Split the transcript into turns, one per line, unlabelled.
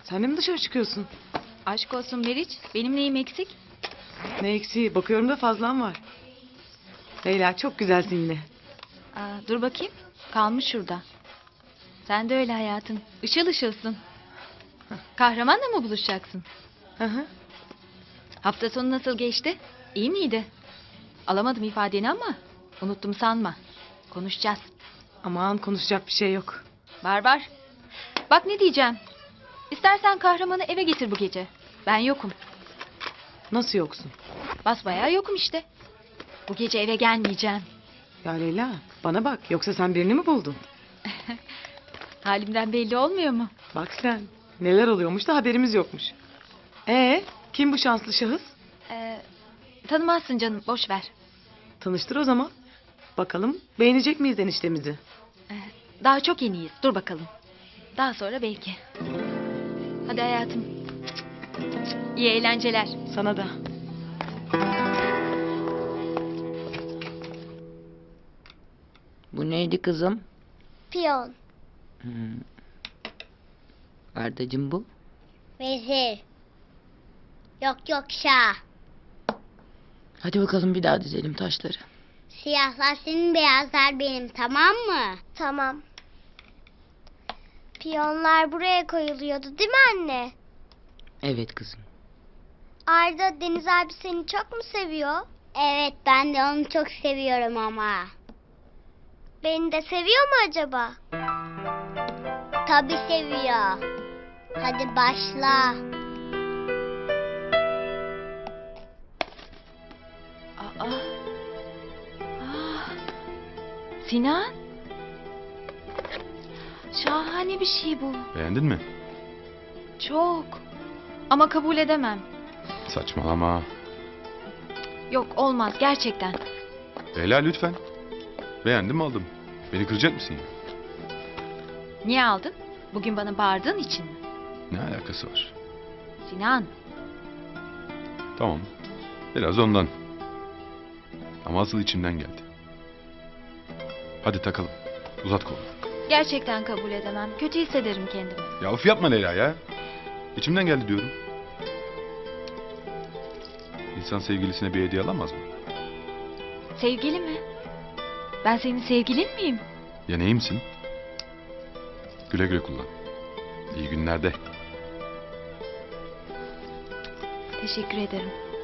Sen de mi dışarı çıkıyorsun?
Aşk olsun Meriç. Benim neyim eksik?
Ne eksiği? Bakıyorum da fazlan var. Leyla çok güzelsin yine.
Dur bakayım. Kalmış şurada. Sen de öyle hayatım. Işıl ışılsın. Kahramanla mı buluşacaksın?
Hı hı.
Hafta sonu nasıl geçti? İyi miydi? Alamadım ifadeni ama unuttum sanma. Konuşacağız.
Aman konuşacak bir şey yok.
Var var. Bak ne diyeceğim. İstersen kahramanı eve getir bu gece. Ben yokum.
Nasıl yoksun?
Basbayağı yokum işte. Bu gece eve gelmeyeceğim.
Ya Leyla bana bak yoksa sen birini mi buldun?
Halimden belli olmuyor mu?
Bak sen neler oluyormuş da haberimiz yokmuş. Kim bu şanslı şahıs?
Tanımazsın canım, boş ver.
Tanıştır o zaman. Bakalım beğenecek miyiz eniştemizi?
Daha çok yeniyiz. Dur bakalım. Daha sonra belki. Hadi hayatım. İyi eğlenceler.
Sana da.
Bu neydi kızım?
Piyon,
Ardacığım bu.
vezir. Yok şah.
Hadi bakalım bir daha dizelim taşları.
Siyahlar senin, beyazlar benim, tamam mı? Tamam. Piyonlar buraya koyuluyordu değil mi anne?
Evet kızım.
Arda, Deniz abi seni çok mu seviyor? Evet, ben de onu çok seviyorum ama. Beni de seviyor mu acaba? Tabii seviyor. Hadi başla.
Sinan. Şahane bir şey bu.
Beğendin mi?
Çok. Ama kabul edemem.
Saçmalama.
Yok, olmaz gerçekten.
Leyla lütfen. Beğendim aldım. Beni kıracak mısın ya?
Niye aldın? Bugün bana bağırdığın için mi?
Ne alakası var?
Sinan.
Tamam. Biraz ondan. Ama asıl içimden geldi. Hadi takalım. Uzat kolunu.
Gerçekten kabul edemem. Kötü hissederim kendimi.
Ya of yapma Leyla ya. İçimden geldi diyorum. İnsan sevgilisine bir hediye alamaz mı?
Sevgili mi? Ben senin sevgilin miyim?
Ya neyimsin? Güle güle kullan. İyi günlerde.
Teşekkür ederim.